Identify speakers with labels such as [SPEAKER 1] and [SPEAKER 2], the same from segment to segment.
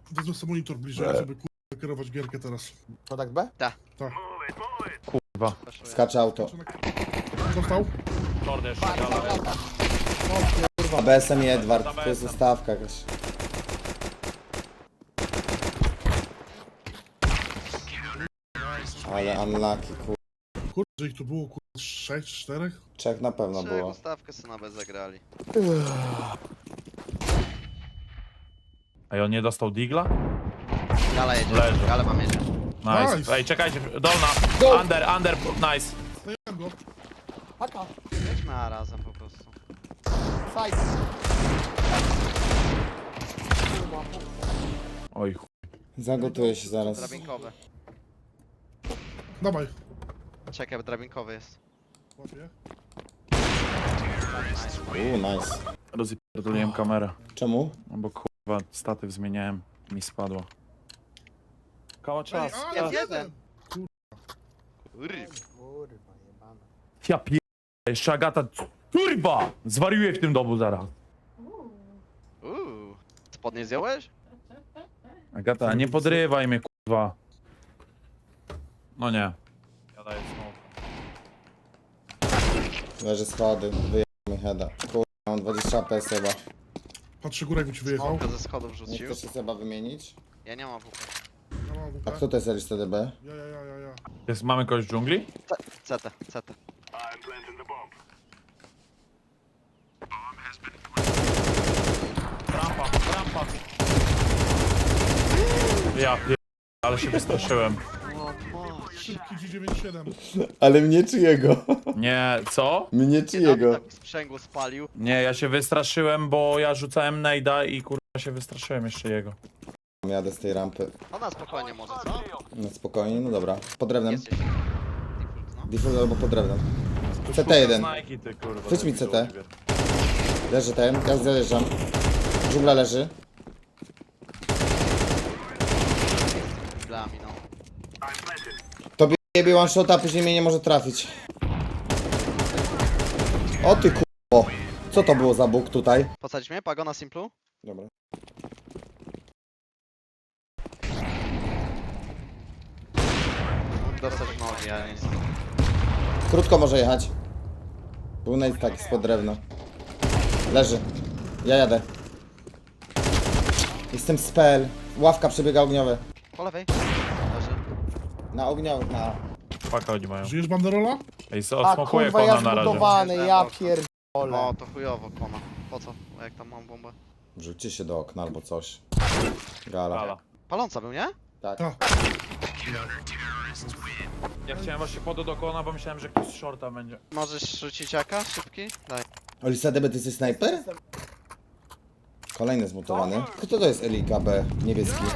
[SPEAKER 1] Wezmę sobie monitor bliżej, żeby kurwa kierować gierkę teraz.
[SPEAKER 2] Kontakt B?
[SPEAKER 3] Kurwa.
[SPEAKER 4] Skacze auto.
[SPEAKER 1] Dostał?
[SPEAKER 3] Lord jeszcze, dalej.
[SPEAKER 4] A BSM i Edward, to jest ustawka jakaś. Ale unlucky,
[SPEAKER 1] Kurde, że ich tu było kurwa 6 czy 4?
[SPEAKER 4] Czech na pewno
[SPEAKER 5] Trzech
[SPEAKER 4] było.
[SPEAKER 5] ustawkę sobie nawet zagrali.
[SPEAKER 3] Ej, on nie dostał digla?
[SPEAKER 5] Gala jedzie,
[SPEAKER 3] Leży.
[SPEAKER 5] Gala mam jedzie.
[SPEAKER 3] Nice.
[SPEAKER 1] Nice.
[SPEAKER 3] Ej, czekajcie, dolna. Under, nice.
[SPEAKER 1] Zdejmę go.
[SPEAKER 2] Haka.
[SPEAKER 5] Jedźmy A razem po prostu.
[SPEAKER 2] Side.
[SPEAKER 3] Oj, chuj.
[SPEAKER 4] Zagotuję się zaraz.
[SPEAKER 5] Drabinkowy.
[SPEAKER 1] Dawaj.
[SPEAKER 5] Czekaj, bo drabinkowy jest.
[SPEAKER 1] Łapię.
[SPEAKER 4] Nice.
[SPEAKER 3] Rozpierdoliłem kamerę.
[SPEAKER 4] Czemu?
[SPEAKER 3] No bo kurwa, statyw zmieniałem. Mi spadło. Kała czas.
[SPEAKER 1] Ej,
[SPEAKER 5] Jest
[SPEAKER 1] a,
[SPEAKER 5] jeden. Kurwa.
[SPEAKER 2] Kurwa, jebana.
[SPEAKER 3] Ja pier... Jeszcze Agata... Kurwa! Zwariuję w tym domu zaraz.
[SPEAKER 5] Spodnie zdjąłeś?
[SPEAKER 3] Agata, nie podrywaj mnie, kurwa. No nie. Ja daję smoke.
[SPEAKER 4] Leży schody, wyjechał mi heada. Kurwa, mam 20 PS chyba.
[SPEAKER 1] Patrzę górę, jakby ci wyjechał.
[SPEAKER 5] Smoka ze schodów
[SPEAKER 4] Nie
[SPEAKER 5] rzucił.
[SPEAKER 4] chcesz się chyba wymienić?
[SPEAKER 5] Ja nie mam WP.
[SPEAKER 1] Ja mam
[SPEAKER 4] A
[SPEAKER 1] WP.
[SPEAKER 4] kto to jest Elis TDB?
[SPEAKER 1] Ja.
[SPEAKER 3] Mamy kogoś w dżungli?
[SPEAKER 5] CT.
[SPEAKER 3] Rampa. Ja pier... Ale się wystraszyłem.
[SPEAKER 1] Szybki G97.
[SPEAKER 4] Ale mnie czy jego?
[SPEAKER 3] Nie, co?
[SPEAKER 4] Mnie czy jego?
[SPEAKER 5] Tak sprzęgło spalił.
[SPEAKER 3] Nie, ja się wystraszyłem, bo ja rzucałem nejda i kurwa się wystraszyłem jeszcze jego.
[SPEAKER 4] Jadę z tej rampy.
[SPEAKER 5] Ona spokojnie może, co?
[SPEAKER 4] No spokojnie, no dobra. Pod drewnem.
[SPEAKER 5] Jest jeszcze. Default, no.
[SPEAKER 4] Default albo pod drewnem. CT1.
[SPEAKER 3] Nike, ty, kurwa,
[SPEAKER 4] Chwyć mi
[SPEAKER 3] debilu,
[SPEAKER 4] CT.
[SPEAKER 3] Oliwier.
[SPEAKER 4] Leży ten, ja zajeżdżam. Dżungla leży.
[SPEAKER 5] Dla mi, no.
[SPEAKER 4] Tobie jebie one shot, a później mnie nie może trafić. O ty k***o. Co to było za bóg tutaj?
[SPEAKER 5] Posadzić mnie? Pago na simplu?
[SPEAKER 4] Dobra.
[SPEAKER 5] Dostać w nogi, ale nic.
[SPEAKER 4] Krótko może jechać. Był nade taki spod drewna. Leży. Ja jadę. Jestem spell. Ławka przebiega ogniowe.
[SPEAKER 5] Po lewej. Leży.
[SPEAKER 4] Na ogniowych, na...
[SPEAKER 3] Paka oni mają.
[SPEAKER 1] Żyjesz banderola?
[SPEAKER 3] Ej,
[SPEAKER 2] A
[SPEAKER 3] odsmokuję
[SPEAKER 2] kurwa, ja
[SPEAKER 3] kona na razie.
[SPEAKER 2] zbudowany, ja pierdolę.
[SPEAKER 5] No, to chujowo, kona. Po co? Jak tam mam bombę?
[SPEAKER 4] Rzućcie się do okna albo coś. Gala.
[SPEAKER 3] Gala.
[SPEAKER 5] Paląca był, nie?
[SPEAKER 4] Tak.
[SPEAKER 1] Tak.
[SPEAKER 3] Ja chciałem właśnie podać do kona, bo myślałem, że ktoś z shorta będzie.
[SPEAKER 5] Możesz rzucić jaka? Szybki? Daj.
[SPEAKER 4] Olisa DB, ty jesteś snajper? Kolejny zmutowany. Kto to jest Elika B? Niebieski.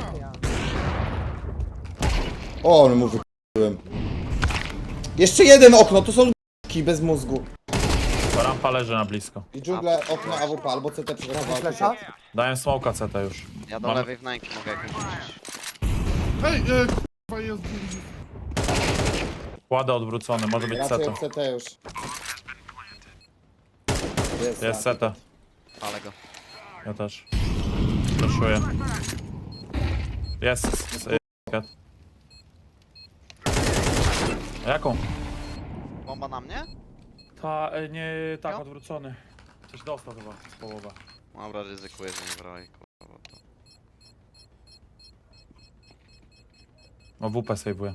[SPEAKER 4] O, ale mu wyk***łem. Jeszcze jeden okno, to są k***ki bez mózgu.
[SPEAKER 3] To rampa leży na blisko.
[SPEAKER 4] I dżungle, okno AWP albo CT przygotował.
[SPEAKER 2] Flesza?
[SPEAKER 3] Dałem smoka CT już.
[SPEAKER 5] Ja do
[SPEAKER 3] Mamy-
[SPEAKER 5] lewej wnęki mogę jakoś rzucić.
[SPEAKER 1] Ej, kurwa jest...
[SPEAKER 3] Kładę odwrócony, może być
[SPEAKER 4] Raczej
[SPEAKER 3] CT.
[SPEAKER 4] od CT już.
[SPEAKER 3] Jest CT.
[SPEAKER 5] Ale go.
[SPEAKER 3] Ja też. Proszuję. Jest. A jaką?
[SPEAKER 5] Bomba na mnie?
[SPEAKER 3] Nie, tak,
[SPEAKER 5] Jo?
[SPEAKER 3] odwrócony. Coś dostał chyba z połowa.
[SPEAKER 5] Dobra, ryzykuję, że nie broi, kurwa. bo to-
[SPEAKER 3] O, WP save'uję.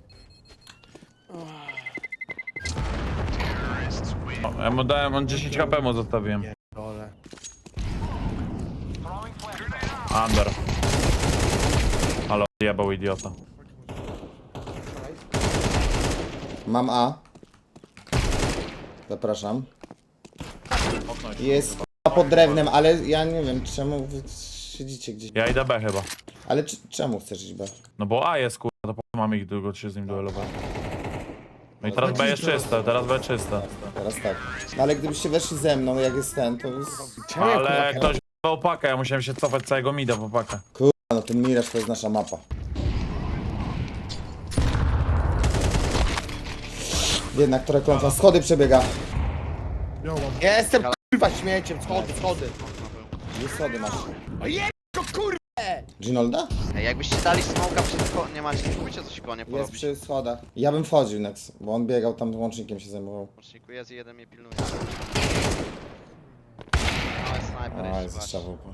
[SPEAKER 3] O, ja mu dałem, on 10 HP mu zostawiłem.
[SPEAKER 2] Dole.
[SPEAKER 3] Under. Ale odjebał idiota.
[SPEAKER 4] Mam A. Zapraszam.
[SPEAKER 3] Okno jeszcze.
[SPEAKER 4] Jest k***a pod drewnem, ale ja nie wiem czemu wy siedzicie gdzieś.
[SPEAKER 3] Ja idę B chyba.
[SPEAKER 4] Ale czemu chcesz iść B?
[SPEAKER 3] No bo A jest kurwa, to po co mam ich długo się z nim duelować. No i teraz B jest czyste, teraz B czyste.
[SPEAKER 4] Teraz tak. No ale gdybyście weszli ze mną, jak jest ten, to jest...
[SPEAKER 3] Ale ktoś w pakę, ja musiałem się cofać całego mida w pakę.
[SPEAKER 4] Kurwa, no ten Miraż to jest nasza mapa. Jednak trochę klątwa. Schody przebiega.
[SPEAKER 1] Ja mam.
[SPEAKER 2] Ja jestem kurwa śmieciem, schody.
[SPEAKER 5] Okno był.
[SPEAKER 4] Już schody masz.
[SPEAKER 2] O jeb, kurwa!
[SPEAKER 4] Ginolda?
[SPEAKER 5] Ej, jakbyście dali smoka przed nie macie, nie pójdzie coś konie
[SPEAKER 4] Jest
[SPEAKER 5] porobić.
[SPEAKER 4] przy schodach. Ja bym wchodził Nex, bo on biegał tam łącznikiem się zajmował.
[SPEAKER 5] Łączniku jest i jeden mnie pilnuje. Ale snajper
[SPEAKER 4] A,
[SPEAKER 5] jeszcze
[SPEAKER 4] jest
[SPEAKER 5] właśnie.
[SPEAKER 4] strzał.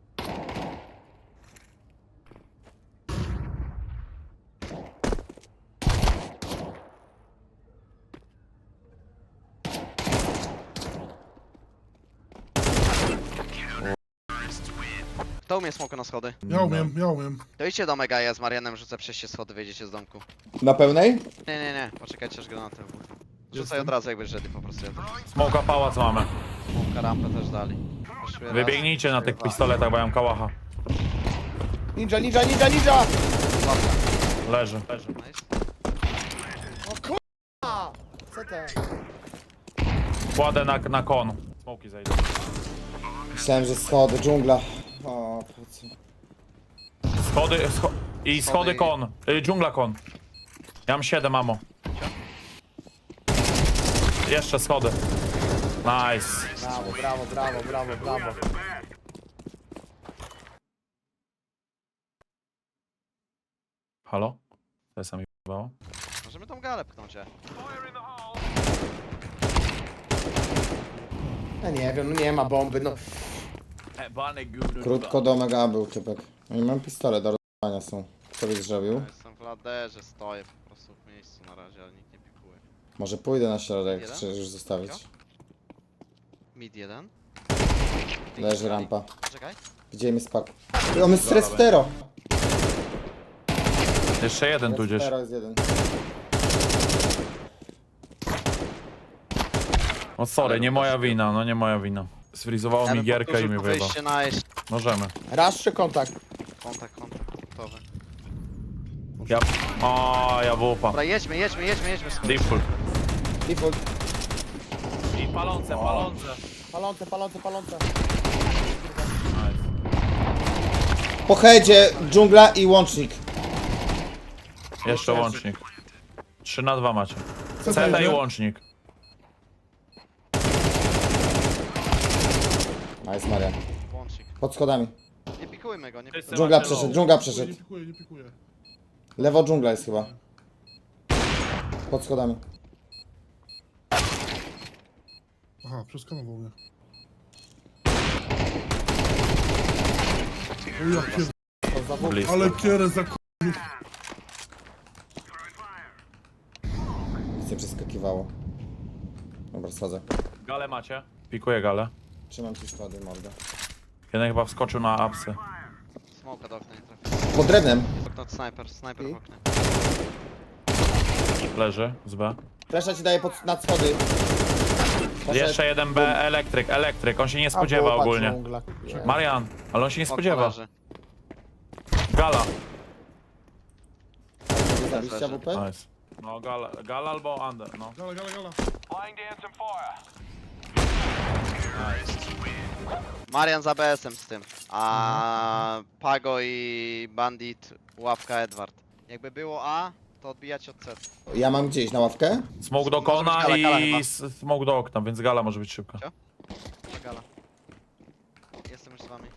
[SPEAKER 5] Kto umie smoka na schody?
[SPEAKER 1] Ja umiem.
[SPEAKER 5] To idźcie do Mega, ja z Marianem rzucę przejście schody, wyjdziecie z domku.
[SPEAKER 4] Na pełnej?
[SPEAKER 5] Nie, poczekajcie aż granaty wybuchną. Rzucaj
[SPEAKER 1] Jestem.
[SPEAKER 5] od razu jakbyś ready po prostu. Ja
[SPEAKER 3] Smoka pałac mamy.
[SPEAKER 5] smoka rampę też dali. Poszły raz,
[SPEAKER 3] Wybiegnijcie na tych
[SPEAKER 5] dwa.
[SPEAKER 3] pistoletach, bo ja mam kałacha.
[SPEAKER 2] Ninja!
[SPEAKER 3] Leży.
[SPEAKER 5] Nice.
[SPEAKER 2] A, CT.
[SPEAKER 3] Kładę na kon. Smoki zejdą.
[SPEAKER 4] Myślałem, że schody, dżungla. O, po co?
[SPEAKER 3] Schody kon. Dżungla kon. Ja mam 7 ammo. Jeszcze schody. Nice.
[SPEAKER 2] Brawo.
[SPEAKER 3] Halo? To jest sami wybało.
[SPEAKER 5] Możemy tą galę pchnąć,
[SPEAKER 2] Ja nie wiem, no nie ma bomby, no.
[SPEAKER 4] Krótko do mega był typek. No i mam pistolet do rozwania są. Co byś zrobił?
[SPEAKER 5] Ja jestem w laderze, stoję po prostu w miejscu na razie, ale nikt nie pikuje.
[SPEAKER 4] Może pójdę na środek,
[SPEAKER 5] Jeden?
[SPEAKER 4] czy już zostawić?
[SPEAKER 5] Mid 1.
[SPEAKER 4] Leży rampa.
[SPEAKER 5] Czekaj.
[SPEAKER 4] Gdzie mi spadł? On jest stres stero!
[SPEAKER 3] Jeszcze jeden tu gdzieś.
[SPEAKER 4] Stero jest jeden.
[SPEAKER 3] No sorry, nie moja wina, no nie moja wina. Sfrizowało mi gierkę i mi wyjebał.
[SPEAKER 5] Wyjście na jeszcze.
[SPEAKER 3] Możemy.
[SPEAKER 2] Raz czy kontakt?
[SPEAKER 5] Kontakt, gotowy.
[SPEAKER 3] Ja... O, ja wupa.
[SPEAKER 5] Dobra, jedźmy.
[SPEAKER 3] Default.
[SPEAKER 4] Default.
[SPEAKER 3] I palące.
[SPEAKER 2] Palące.
[SPEAKER 3] Nice.
[SPEAKER 4] Po headzie, dżungla i łącznik.
[SPEAKER 3] Jeszcze łącznik. 3 na 2 macie.
[SPEAKER 1] Co
[SPEAKER 3] Ceta i
[SPEAKER 1] będzie?
[SPEAKER 3] łącznik.
[SPEAKER 4] Nice Marian.
[SPEAKER 5] Łącznik.
[SPEAKER 4] Pod schodami.
[SPEAKER 5] Nie pikujmy go, nie pikujmy.
[SPEAKER 4] Dżungla
[SPEAKER 3] Macie
[SPEAKER 4] przeszedł,
[SPEAKER 3] low.
[SPEAKER 4] dżungla
[SPEAKER 1] Nie
[SPEAKER 4] przeszedł.
[SPEAKER 1] pikuję.
[SPEAKER 4] Lewo dżungla jest chyba. Pod schodami.
[SPEAKER 1] Aha, przeskanował mnie. O ja pier...
[SPEAKER 3] Blisko.
[SPEAKER 1] Ale kierę za k...
[SPEAKER 4] Nic nie przeskakiwało. Dobra, schodzę.
[SPEAKER 3] Galę macie? Pikuję galę.
[SPEAKER 4] Trzymam ci schody, mordę.
[SPEAKER 3] Jeden chyba wskoczył na apsy.
[SPEAKER 5] Smoka do okna nie trafi.
[SPEAKER 4] Pod drewnem.
[SPEAKER 5] Okno snajper w oknie.
[SPEAKER 3] Leży z B.
[SPEAKER 4] Flesza ci daje nad schody.
[SPEAKER 3] Jeszcze jeden B, elektryk. On się nie spodziewa ogólnie. Marian, ale on się nie spodziewa.
[SPEAKER 5] Leży.
[SPEAKER 3] Gala.
[SPEAKER 4] Zabiście AWP?
[SPEAKER 3] Nice. No gala albo under, no.
[SPEAKER 1] Gala.
[SPEAKER 5] Marian za BS-em z tym. A Pago i Bandit, ławka Edward. Jakby było A, to odbijać od C.
[SPEAKER 4] Ja mam gdzieś na ławkę.
[SPEAKER 3] Smoke do
[SPEAKER 5] Może być
[SPEAKER 3] kona
[SPEAKER 5] gala
[SPEAKER 3] i
[SPEAKER 5] chyba.
[SPEAKER 3] smoke do okna, więc gala może być szybka.
[SPEAKER 5] Gala. Jestem już z wami.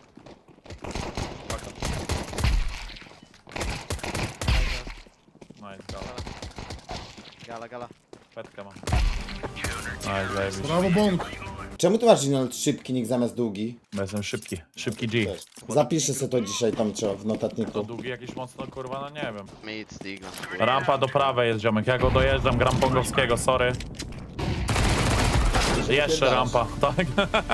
[SPEAKER 3] Nice,
[SPEAKER 5] Gala.
[SPEAKER 3] petkę mam. Nice, zajebiście.
[SPEAKER 1] Brawo, bąk.
[SPEAKER 4] Czemu ty masz Ginold szybki nick zamiast długi?
[SPEAKER 3] Bo jestem szybki G.
[SPEAKER 4] Zapiszę sobie to dzisiaj tam trzeba w
[SPEAKER 3] To
[SPEAKER 4] notatniku.
[SPEAKER 3] długi jakiś mocno kurwa, no nie wiem.
[SPEAKER 5] Mid, Stigla.
[SPEAKER 3] Rampa do prawej jest ziomek, ja go dojeżdżam, gram pongowskiego, sorry. Jeszcze rampa, tak?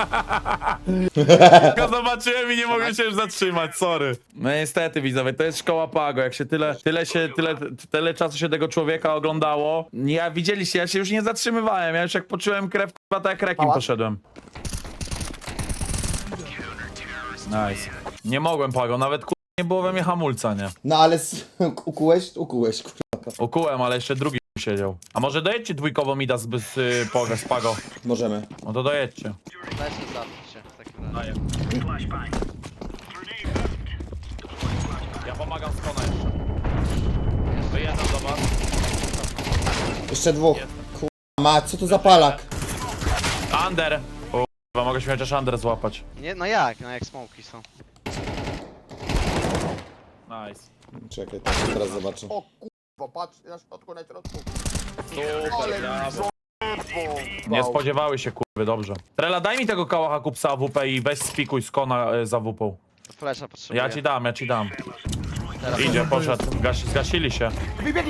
[SPEAKER 3] Tylko zobaczyłem i nie mogłem się już zatrzymać, sorry. No niestety widzowie, to jest szkoła Pago, jak się tyle czasu się tego człowieka oglądało. Ja widzieliście, ja się już nie zatrzymywałem, ja już jak poczułem krew, kurwa, tak jak rekim
[SPEAKER 2] Pałac?
[SPEAKER 3] poszedłem. Nice. Nie mogłem Pago, nawet kurwa nie było we mnie hamulca, nie?
[SPEAKER 4] No ale ukułeś, kurwa.
[SPEAKER 3] Ukułem, ale jeszcze drugi siedział. A może dojedźcie dwójkowo mida z Pago?
[SPEAKER 4] Możemy.
[SPEAKER 3] No to dojedźcie.
[SPEAKER 5] Lećmy zabić się w takim razie.
[SPEAKER 3] Daję. Ja pomagam z kona jeszcze. Wyjeżdżam do was.
[SPEAKER 4] Jeszcze dwóch. Kurwa, ma, co to za palak?
[SPEAKER 3] Under! O, mogę się chociaż under złapać.
[SPEAKER 5] Nie, no jak smoki są.
[SPEAKER 3] Nice.
[SPEAKER 4] Czekaj, tak teraz zobaczę.
[SPEAKER 2] O kurwa, patrz na środku, na środku.
[SPEAKER 3] Super, brawo.
[SPEAKER 2] Kurwa.
[SPEAKER 3] Nie spodziewały się, kurwy, dobrze. Trela, daj mi tego kałacha kupsa AWP i weź spikuj z kona za WP.
[SPEAKER 5] Flesza potrzebuję.
[SPEAKER 3] Ja ci dam.
[SPEAKER 5] Teraz
[SPEAKER 3] Idzie, poszedł. Zgasili się.
[SPEAKER 2] Wybiegli.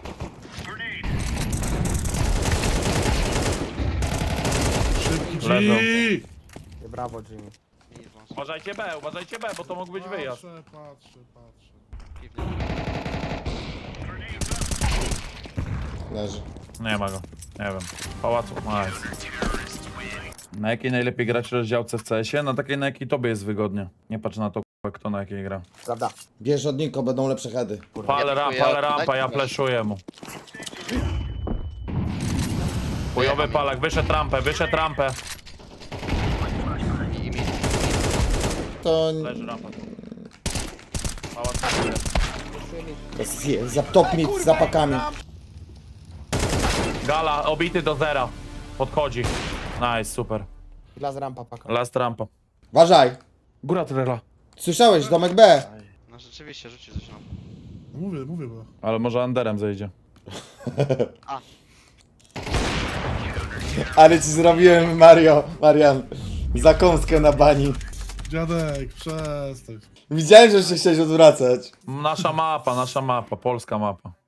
[SPEAKER 1] Szybki
[SPEAKER 3] Leżą.
[SPEAKER 1] G!
[SPEAKER 2] Brawo, Jimmy.
[SPEAKER 5] mi wąs.
[SPEAKER 3] Uważajcie B, bo to mógł być wyjazd.
[SPEAKER 1] Patrzę.
[SPEAKER 5] Piwnie.
[SPEAKER 4] Leży.
[SPEAKER 3] Nie ma go. Nie wiem. Pałacu. Nice. Na jakiej najlepiej grać rozdziałce w CS-ie? Na takiej, na jakiej tobie jest wygodnie. Nie patrz na to, kurwa, kto na jakiej gra.
[SPEAKER 2] Prawda.
[SPEAKER 4] Bierz od Niko, będą lepsze heady.
[SPEAKER 3] Pal
[SPEAKER 5] Ja
[SPEAKER 3] rampa,
[SPEAKER 5] dziękuję.
[SPEAKER 3] ja
[SPEAKER 5] Daj-
[SPEAKER 3] fleszuję mu. Chujowy palak, wyszedł rampę.
[SPEAKER 5] I mi.
[SPEAKER 4] To...
[SPEAKER 3] Leży rampa. Pałac.
[SPEAKER 4] Jest za top mid, z zapakami.
[SPEAKER 3] Gala, obity do zera. Podchodzi. Nice, super.
[SPEAKER 2] Dla z rampa paka.
[SPEAKER 3] Last rampa.
[SPEAKER 4] Uważaj.
[SPEAKER 3] Góra trela.
[SPEAKER 4] Słyszałeś, domek B.
[SPEAKER 5] No rzeczywiście, rzucił coś nam.
[SPEAKER 1] Mówię, bo.
[SPEAKER 3] Ale może Anderem zejdzie.
[SPEAKER 4] Ale ci zrobiłem, Marian, zakąskę na bani.
[SPEAKER 1] Dziadek, przestań.
[SPEAKER 4] Widziałem, że się chciałeś odwracać.
[SPEAKER 3] Nasza mapa, polska mapa.